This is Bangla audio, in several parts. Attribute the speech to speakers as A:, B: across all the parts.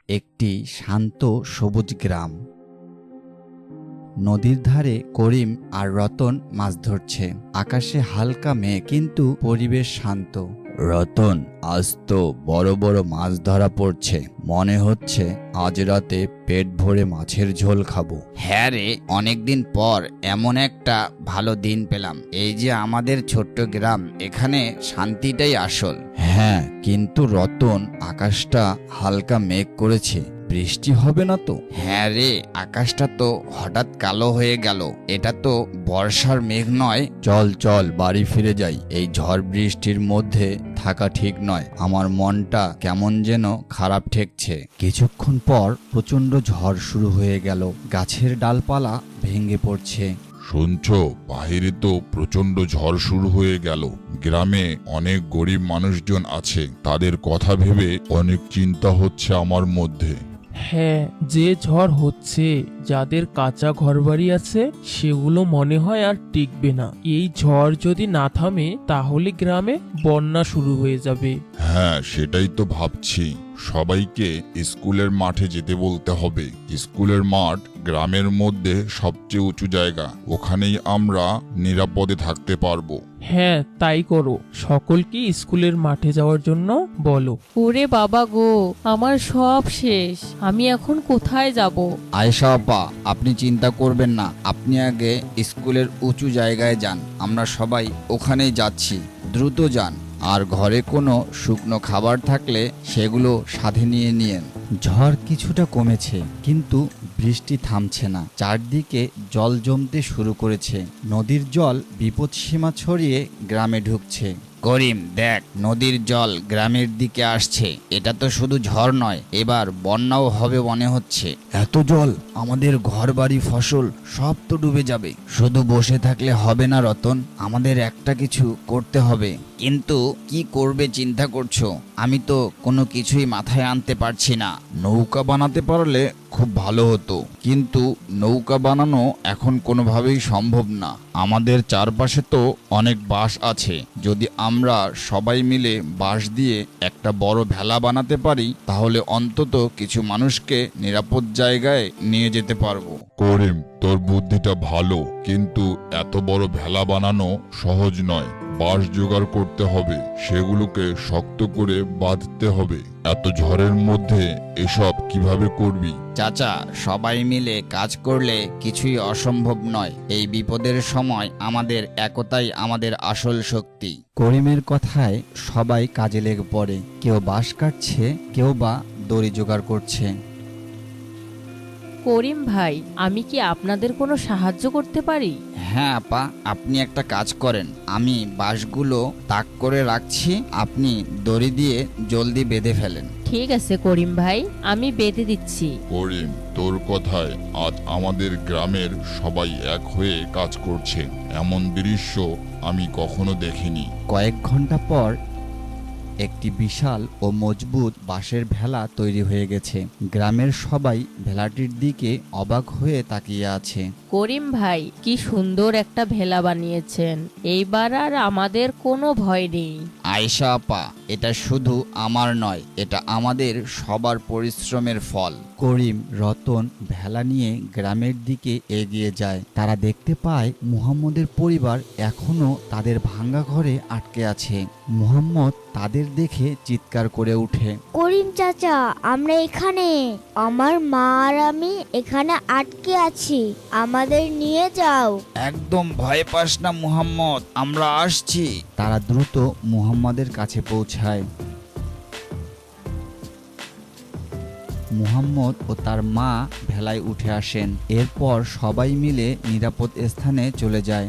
A: একটি শান্ত সবুজ গ্রাম। নদীর ধারে করিম আর রতন মাছ ধরছে। আকাশে হালকা মেঘ, কিন্তু পরিবেশ শান্ত। রতন, আজ তো বড় বড় মাছ ধরা পড়ছে, মনে হচ্ছে আজ রাতে পেট ভরে মাছের ঝোল খাবো।
B: হ্যাঁ রে, অনেকদিন পর এমন একটা ভালো দিন পেলাম। এই যে আমাদের ছোট্ট গ্রাম, এখানে শান্তিটাই আসল।
A: হ্যাঁ, কিন্তু রতন, আকাশটা হালকা মেঘ করেছে, বৃষ্টি হবে না তো?
B: হ্যাঁ রে, আকাশটা তো হঠাৎ কালো হয়ে গেল। এটা তো বর্ষার মেঘ নয়।
A: চল চল, বাড়ি ফিরে যাই। এই ঝড় বৃষ্টির মধ্যে থাকা ঠিক নয়। আমার মনটা কেমন যেন খারাপ ঠেকছে। কিছুক্ষণ পর প্রচন্ড ঝড় শুরু হয়ে গেল। গাছের ডালপালা ভেঙে পড়ছে।
C: শুনছো, বাহিরে তো প্রচন্ড ঝড় শুরু হয়ে গেল। গ্রামে অনেক গরিব মানুষজন আছে, তাদের কথা ভেবে অনেক চিন্তা হচ্ছে আমার মধ্যে।
D: হ্যাঁ, যে ঝড় হচ্ছে, যাদের কাঁচা ঘরবাড়ি আছে সেগুলো মনে হয় আর টিকবে না। এই ঝড় যদি না থামে তাহলে গ্রামে বন্যা শুরু হয়ে যাবে।
C: হ্যাঁ, সেটাই তো ভাবছি। সবাইকে স্কুলের মাঠে যেতে বলতে হবে। স্কুলের মাঠ গ্রামের মধ্যে সবচেয়ে উঁচু জায়গা, ওখানেই আমরা নিরাপদে থাকতে পারবো।
D: হ্যাঁ, তাই করো। সকলকে স্কুলের মাঠে যাওয়ার জন্য বলো।
E: ওরে বাবা গো, আমার সব শেষ। আমি এখন কোথায় যাব?
B: আয়েশা আপা, আপনি চিন্তা করবেন না। আপনি আগে স্কুলের উঁচু জায়গায় যান, আমরা সবাই ওখানেই যাচ্ছি। দ্রুত যান। আর ঘরে কোনো শুকনো খাবার থাকলে সেগুলো সাথে নিয়ে নিয়েন।
A: ঝড় কিছুটা কমেছে, কিন্তু বৃষ্টি থামছে না। চারদিকে জল জমতে শুরু করেছে। নদীর জল বিপদসীমা ছড়িয়ে গ্রামে ঢুকছে।
B: করিম, দেখ, নদীর জল গ্রামের দিকে আসছে। এটা তো শুধু ঝড় নয়, এবার বন্যাও হবে মনে হচ্ছে।
A: এত জল, আমাদের ঘরবাড়ি, ফসল সব তো ডুবে যাবে।
B: শুধু বসে থাকলে হবে না রতন, আমাদের একটা কিছু করতে হবে। কিন্তু কি করবে চিন্তা করছো? আমি তো কোনো কিছুই মাথায় আনতে পারছি না।
A: নৌকা বানাতে পারলে খুব ভালো হতো, কিন্তু নৌকা বানানো এখন কোনোভাবেই সম্ভব না। আমাদের চারপাশে তো অনেক বাঁশ আছে। যদি আমরা সবাই মিলে বাঁশ দিয়ে একটা বড় ভেলা বানাতে পারি, তাহলে অন্তত কিছু মানুষকে নিরাপদ জায়গায় নিয়ে যেতে পারবো।
C: করিম, তোর বুদ্ধিটা ভালো, কিন্তু এত বড় ভেলা বানানো সহজ নয়। বাঁশ জোগাড় করতে হবে, সেগুলোকে শক্ত করে বাঁধতে হবে। এত ঝড়ের মধ্যে এসব কিভাবে করবি?
B: চাচা, সবাই মিলে কাজ করলে কিছুই অসম্ভব নয়। এই বিপদের সময় আমাদের একতাই আমাদের আসল শক্তি।
A: করিমের কথায় সবাই কাজে লেগে পড়ে। কেউ বাঁশ কাটছে, কেউ বা দড়ি জোগাড় করছে।
E: করিম ভাই, আমি কি আপনাদের কোনো সাহায্য করতে পারি?
B: হ্যাঁ আপা, আপনি একটা কাজ করেন। আমি বাঁশগুলো তাক করে রাখছি, আপনি দড়ি দিয়ে জলদি বেঁধে ফেলেন।
E: ঠিক আছে করিম ভাই, আমি বেঁধে দিচ্ছি।
C: করিম, তোর কথায় আজ আমাদের গ্রামের সবাই এক হয়ে কাজ করছে। এমন দৃশ্য আমি কখনো দেখিনি।
A: কয়েক ঘন্টা পর একটি বিশাল ও মজবুত বাঁশের ভেলা তৈরি হয়ে গেছে। গ্রামের সবাই ভেলাটির দিকে অবাক হয়ে তাকিয়ে আছে।
E: করিম ভাই, কি সুন্দর একটা ভেলা বানিয়েছেন। এইবার আর আমাদের কোনো ভয় নেই।
B: আয়েশা আপা, এটা শুধু আমার নয়, এটা আমাদের সবার পরিশ্রমের ফল।
A: করিম, রতন ভেলা নিয়ে গ্রামের দিকে এগিয়ে যায়। তারা দেখতে পায় মুহাম্মদের পরিবার এখনো তাদের ভাঙা ঘরে আটকে আছে। মুহাম্মদ তাদের দেখে চিৎকার করে ওঠে।
F: করিম চাচা, আমরা এখানে। আমার মা আর আমি এখানে আটকে আছি, আমাদের নিয়ে যাও।
B: একদম ভয় পাস না মুহাম্মদ, আমরা আসছি।
A: তারা দ্রুত মুহাম্মদের কাছে পৌঁছায়। মুহাম্মদ ও তার মা ভেলায় উঠে আসেন। এরপর সবাই মিলে নিরাপদ স্থানে চলে যায়।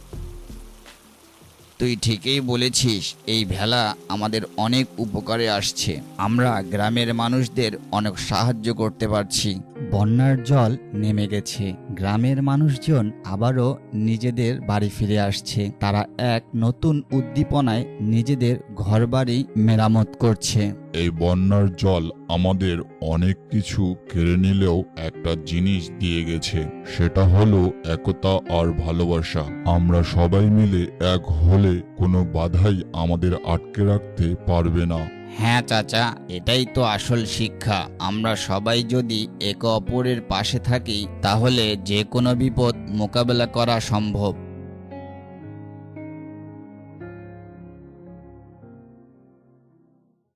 B: তুই ঠিকই বলেছিস, এই ভেলা আমাদের অনেক উপকারে আসছে। আমরা গ্রামের মানুষদের অনেক সাহায্য করতে পারছি।
A: বন্যার জল নেমে গেছে। গ্রামের মানুষজন আবারও নিজেদের বাড়ি ফিরে আসছে। তারা এক নতুন উদ্দীপনায় নিজেদের ঘরবাড়ি মেরামত করছে।
C: এই বন্যার জল আমাদের অনেক কিছু কেড়ে নিলেও একটা জিনিস দিয়ে গেছে, সেটা হলো একতা আর ভালোবাসা। আমরা সবাই মিলে এক হলে কোনো বাধাই আমাদের আটকে রাখতে পারবে না।
B: হ্যাঁ চাচা, এটাই তো আসল শিক্ষা। আমরা সবাই যদি একে অপরের পাশে থাকি তাহলে যে কোনো বিপদ মোকাবেলা করা সম্ভব।